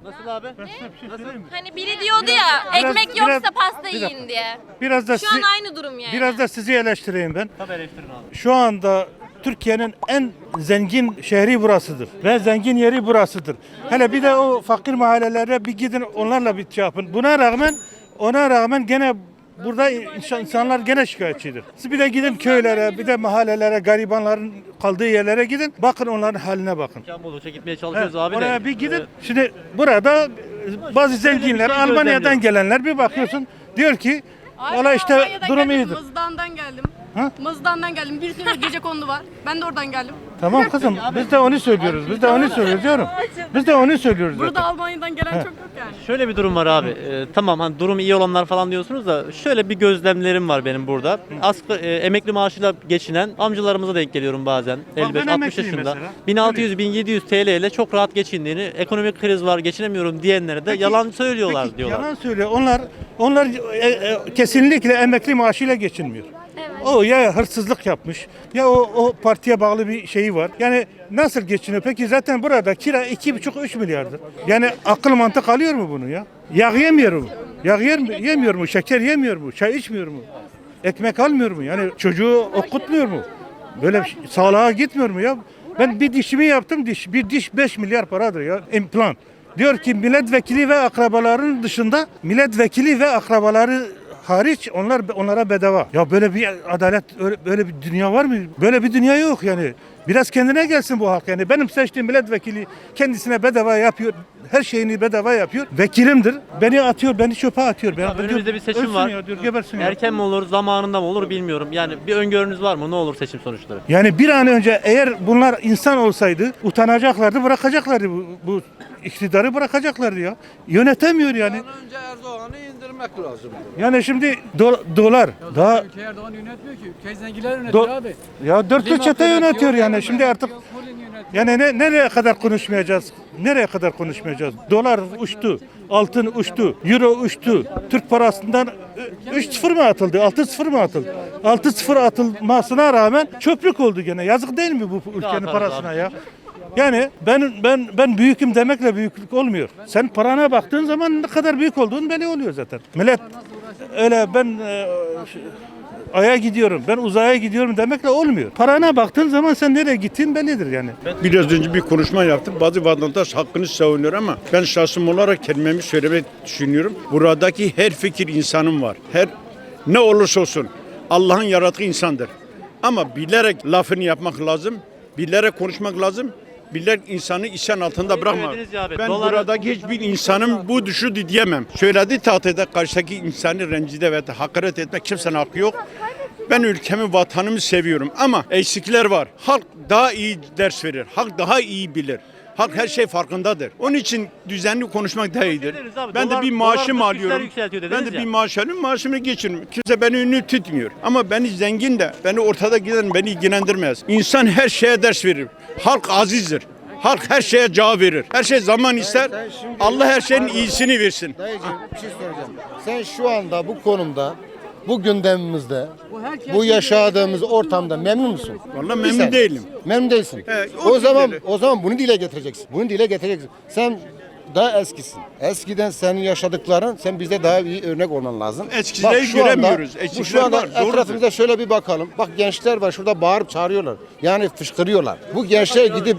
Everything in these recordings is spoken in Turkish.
Nasıl abi? Hani biri diyordu ya ekmek yoksa pasta yiyin diye. Biraz da Şu an aynı durum yani. biraz da sizi eleştireyim ben. Tabii eleştirin abi. Şu anda Türkiye'nin en zengin şehri burasıdır ve zengin yeri burasıdır. Hele bir de o fakir mahallelere bir gidin, onlarla bir şey yapın. Ona rağmen gene burada insanlar gene şikayetçidir. Siz bir de gidin köylere, bir de mahallelere, garibanların kaldığı yerlere gidin. Bakın onların haline bakın. İmkan buldukça gitmeye çalışıyoruz abi de. Oraya bir gidin. Şimdi burada bazı zenginler, şey Almanya'dan gözlemliyorum. gelenler bir bakıyorsun diyor ki valla işte Almanya'dan durum geldim, iyidir. Mızıdan'dan geldim. Ha? Mızıdan'dan geldim. Bir sürü gecekondu var. Ben de oradan geldim. Tamam kızım biz de onu söylüyoruz. Biz de onu söylüyoruz diyorum. Biz de onu söylüyoruz Burada zaten. Almanya'dan gelen çok yok yani. Şöyle bir durum var abi. Tamam hani durum iyi olanlar falan diyorsunuz da şöyle bir gözlemlerim var benim burada. Emekli maaşıyla geçinen amcalarımıza denk geliyorum bazen. ben 55-60 emekliyim yaşında. mesela. 1600-1700 TL ile çok rahat geçindiğini, ekonomik kriz var geçinemiyorum diyenlere de yalan söylüyorlar Peki, diyorlar. yalan söylüyor. Onlar kesinlikle emekli maaşıyla geçinmiyor. O ya hırsızlık yapmış ya o partiye bağlı bir şeyi var. Yani nasıl geçiniyor? Peki zaten burada kira 2,5-3 milyardır. Yani akıl mantık alıyor mu bunu ya? Yağ yemiyor mu? Yemiyor mu? Şeker yemiyor mu? Çay içmiyor mu? Ekmek almıyor mu? Yani çocuğu okutmuyor mu? Böyle sağlığa gitmiyor mu ya? Ben bir dişimi yaptım, bir diş 5 milyar paradır ya, implant. Diyor ki milletvekili ve akrabaların dışında, milletvekili ve akrabaları hariç onlara bedava. Ya böyle bir adalet, böyle bir dünya var mı? Böyle bir dünya yok yani. Biraz kendine gelsin bu halk yani. Benim seçtiğim milletvekili kendisine bedava yapıyor. Her şeyini bedava yapıyor. Vekilimdir. Beni atıyor, beni çöpe atıyor. Abi önümüzde bir seçim ölsün var. Ya, diyor, gebersin ya. Erken mi olur, zamanında mı olur bilmiyorum. Yani bir öngörünüz var mı? Ne olur seçim sonuçları? Yani bir an önce eğer bunlar insan olsaydı utanacaklardı, bırakacaklardı bu iktidarı bırakacaklardı ya. Yönetemiyor yani. Önce Erdoğan'ı indirmek lazım. Yani şimdi dolar daha Ülke Erdoğan yönetmiyor ki. Ülkeyi zenginler yönetiyor abi. ya dörtlü Liman çete yönetiyor yönetiyor, yani. Şimdi artık Holding yönetiyor. yani nereye kadar konuşmayacağız? Nereye kadar konuşmayacağız? Dolar uçtu, altın uçtu, euro uçtu. Türk parasından 3-0 mı atıldı, 6-0 mı atıldı? 6-0 atılmasına rağmen çöplük oldu gene. Yazık değil mi bu ülkenin atarız parasına abi. ya? Yani ben büyüküm demekle büyüklük olmuyor. Sen parana baktığın zaman ne kadar büyük olduğun belli oluyor zaten. Millet öyle ben aya gidiyorum, ben uzaya gidiyorum demekle olmuyor. Parana baktığın zaman sen nereye gittiğin bellidir yani. Biraz önce bir konuşma yaptım. Bazı vatandaş hakkını savunuyor ama ben şahsım olarak kelimemi söylemeyi düşünüyorum. Buradaki her fikir insanın var. Ne olursa olsun Allah'ın yarattığı insandır. Ama bilerek lafını yapmak lazım. Bilerek konuşmak lazım. Bilerek insanı isyan altında bırakmak. Söylediniz ya abi, Ben dolar- buradaki hiçbir insanın bu düşü diyemem. Söylediği tahtede karşıdaki insanı rencide ve hakaret etmek kimsenin hakkı yok. Ben ülkemi, vatanımı seviyorum ama eksikler var. Halk daha iyi ders verir. Halk daha iyi bilir. Halk her şey farkındadır. Onun için düzenli konuşmak daha iyidir. Dediniz abi, Ben de dolar- bir maaşım dolar dış güçler alıyorum. yükseltiyor Ben dediniz de ya. bir maaş alıyorum, maaşımı geçiriyorum. Kimse beni ünlü tutmuyor. Ama beni zengin de, beni ortada giden beni ilgilendirmez. İnsan her şeye ders verir. Halk azizdir. Halk her şeye cevap verir. Her şey zaman ister. Allah her şeyin iyisini versin. Dayıcığım bir şey soracağım. Sen şu anda bu konumda, bu gündemimizde, bu yaşadığımız ortamda memnun musun? Vallahi Bir memnun saniye. değilim. Memnun değilsin. o O zaman bunu dile getireceksin. Bunu dile getireceksin. Sen daha eskisin. Eskiden senin yaşadıkların, sen bize daha iyi örnek olman lazım. Eskileri şu anda- göremiyoruz. Bu Eskiler şu anda var, doğrudur. etrafımıza şöyle bir bakalım. Bak gençler var şurada bağırıp çağırıyorlar. Yani fışkırıyorlar. Bu gençler gidip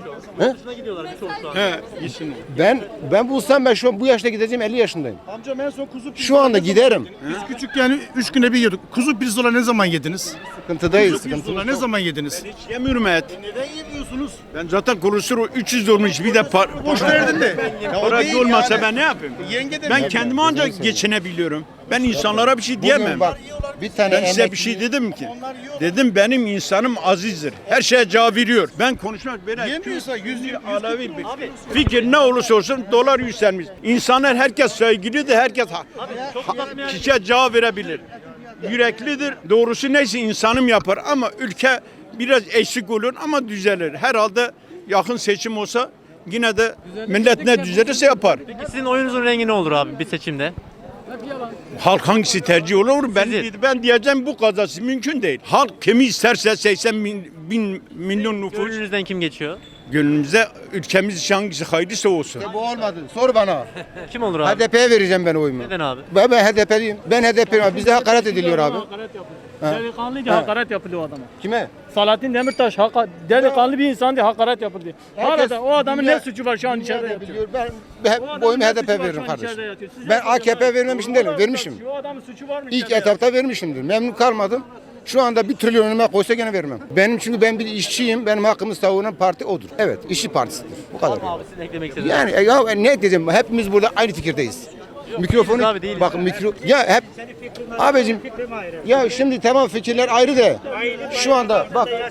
İyisini. ben bulsam ben şu an bu yaşta gideceğim 50 yaşındayım. Amcam en son kuzu Şu anda giderim. Biz küçükken 3 güne bir yiyorduk. Kuzu pirzola ne zaman yediniz? Sıkıntıdayız. Kuzu pirzola ne zaman yediniz? Hiç yemiyorum et. Neden yemiyorsunuz? Ben zaten kolesterol 300 olmuş bir de Boş verdin de. parası olmasa ben ne yapayım? Yenge de Ben kendimi ancak geçinebiliyorum. Ben insanlara bir şey diyemem. Bugün bak bir tane Ben size emekli- bir şey dedim ki. Dedim benim insanım azizdir. Her şeye cevap veriyor. Ben konuşmak böyle. Yemiyorsa 100 Alavi bir fikir ne olursa olsun dolar yükselmiş. İnsanlar herkes saygılıdır. Herkes kişiye cevap verebilir. Yüreklidir. Doğrusu neyse insanım yapar ama ülke biraz eksik olur ama düzelir. Herhalde yakın seçim olsa yine de millet ne düzelirse yapar. Peki sizin oyunuzun rengi ne olur abi bir seçimde? Halk hangisi tercih olur? Ben diyeceğim bu kazası mümkün değil. Halk kimi isterse 80 milyon nüfus. Gönlünüzden kim geçiyor? Gönlümüze ülkemiz için hangisi hayırlısı olsun. Bu olmadı. Sor bana. Kim olur abi? HDP'ye vereceğim ben oyumu. Neden abi? Ben HDP'liyim. Ben HDP'liyim. Bizde hakaret ediliyor abi. Delikanlıydı, hakaret yapılıyor o adama. Kime? Salahattin Demirtaş delikanlı bir insan diye hakaret yapıldı. Herkes- Arada o adamın dünya- ne suçu var şu an içeride Dünya da yatıyor. biliyor. O Ben adamın oyumu ne HDP suçu var veririm şu an kardeşim. içeride yatıyor? Siz Ben yapıyorsunuz AKP abi. vermemişim değilim. Vermişim. O adamın suçu var mı İlk içeride? etapta vermişimdir. Memnun kalmadım. Şu anda 1 trilyon önüme koysa gene vermem. Benim çünkü ben bir işçiyim. Benim hakkımı savunan parti odur. Evet, işçi partisidir. Bu kadar. Abi sizin eklemek istediğiniz. Yani ya ne diyeceğim? Hepimiz burada aynı fikirdeyiz. Mikrofonu abi, değiliz. bak ya hep abicim ya şimdi tamam fikirler ayrı da şu anda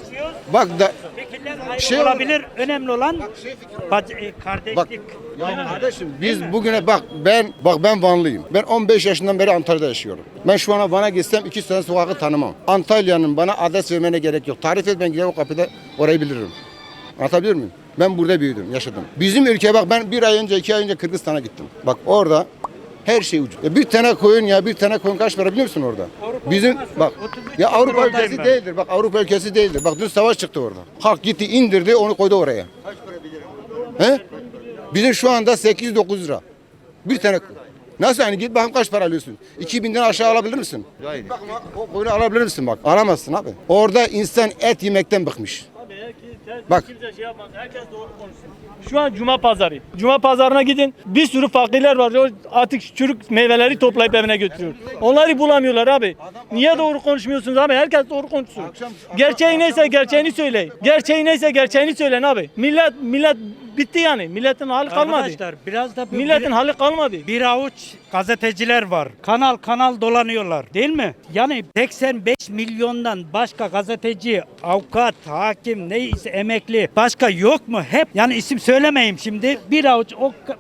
bak da şey olabilir. Önemli olan kardeşlik. bak ya kardeşim biz bugüne ben Vanlıyım. Ben 15 yaşından beri Antalya'da yaşıyorum. Ben şu ana Van'a gitsem 2 sene sokağı tanımam. Antalya'nın bana adres vermene gerek yok. Tarif et ben gider o kapıda orayı bilirim. Anlatabiliyor muyum? Ben burada büyüdüm, yaşadım. Bizim ülke bak ben 1 ay önce 2 ay önce Kırgızistan'a gittim. Bak orada her şey ucuz. Bir tane koyun kaç para biliyor musun orada? Bizim bak ya Avrupa ülkesi değildir. Bak Avrupa ülkesi değildir. Bak dün savaş çıktı orada. Halk gitti indirdi onu koydu oraya. Kaç para bilirim? He? Bizim şu anda 8-9 lira. Bir tane nasıl yani git bakın kaç para alıyorsun? 2000'den aşağı alabilir misin? Hayır. Bak o koyunu alabilir misin bak? Alamazsın abi. Orada insan et yemekten bıkmış. Bak. Kimse şey yapmaz. Herkes doğru konuşsun. Şu an Cuma pazarı. Cuma pazarına gidin. Bir sürü fakirler var. O artık çürük meyveleri toplayıp evine götürüyor. Onları bulamıyorlar abi. Niye doğru konuşmuyorsunuz abi? Herkes doğru konuşsun. Gerçeği neyse gerçeğini söyleyin. Gerçeği neyse gerçeğini söyleyin abi. Millet bitti yani. Milletin hali kalmadı. Arkadaşlar biraz da Milletin hali kalmadı. bir avuç gazeteciler var. Kanal dolanıyorlar değil mi? Yani 85 milyondan başka gazeteci, avukat, hakim, neyse emekli başka yok mu? Hep yani isim söylemeyeyim şimdi. Bir avuç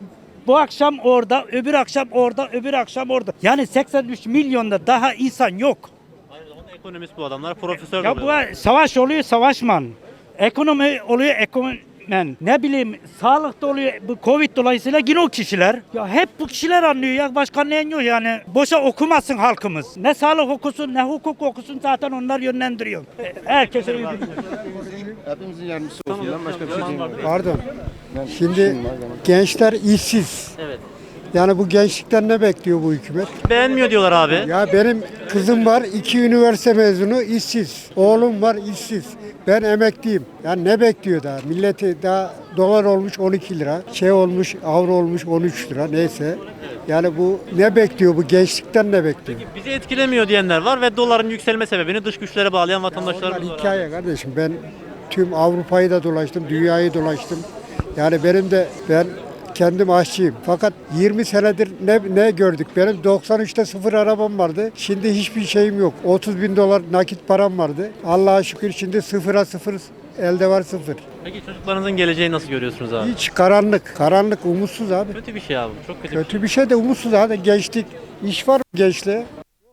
bu akşam orada, öbür akşam orada, öbür akşam orada. Yani 83 milyonda daha insan yok. Onun ekonomist bu adamlar, profesör Ya oluyorlar. bu savaş oluyor savaşman. Ekonomi oluyor ekonomen. Ne bileyim sağlıkta oluyor bu Covid dolayısıyla yine o kişiler. Ya hep bu kişiler anlıyor ya başka ne yok yani. Boşa okumasın halkımız. Ne sağlık okusun ne hukuk okusun zaten onlar yönlendiriyor. Herkese iyi Hepimizin yardımcısı olsun. Ben başka bir şey diyemiyorum. Pardon. Şimdi gençler işsiz. Evet. Yani bu gençlikten ne bekliyor bu hükümet? Beğenmiyor diyorlar abi. Ya benim kızım var 2 üniversite mezunu işsiz. Oğlum var işsiz. Ben emekliyim. Yani ne bekliyor daha? Milleti daha dolar olmuş 12 lira. Şey olmuş avro olmuş 13 lira neyse. Yani bu ne bekliyor bu gençlikten ne bekliyor? Bizi etkilemiyor diyenler var ve doların yükselme sebebini dış güçlere bağlayan vatandaşlarımız Onlar var. hikaye kardeşim. Ben tüm Avrupa'yı da dolaştım, dünyayı dolaştım. Yani ben kendim aşçıyım. Fakat 20 senedir ne gördük? Benim 93'te sıfır arabam vardı. Şimdi hiçbir şeyim yok. 30 bin dolar nakit param vardı. Allah'a şükür şimdi sıfıra sıfır. Elde var sıfır. Peki çocuklarınızın geleceğini nasıl görüyorsunuz abi? Hiç karanlık. Karanlık, umutsuz abi. Kötü bir şey abi. Çok kötü bir şey. Kötü bir şey de umutsuz abi. Gençlik. İş var mı gençliğe?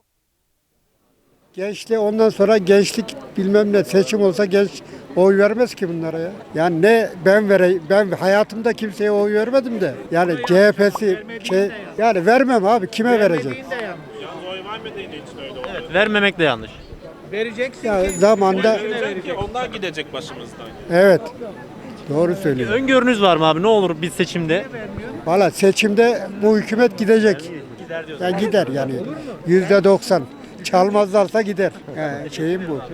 Gençliğe ondan sonra gençlik bilmem ne seçim olsa genç oy vermez ki bunlara ya. Yani ne ben hayatımda kimseye oy vermedim de. Yani CHP'si yani vermem abi kime verecek? Evet, vermemek de yanlış. Ya zamanda Onlar gidecek başımızdan. evet. Doğru söylüyor. Öngörünüz var mı abi? Ne olur bir seçimde? Valla seçimde bu hükümet gidecek. Yani gider yani %90. Çalmazlarsa gider. Şeyim bu.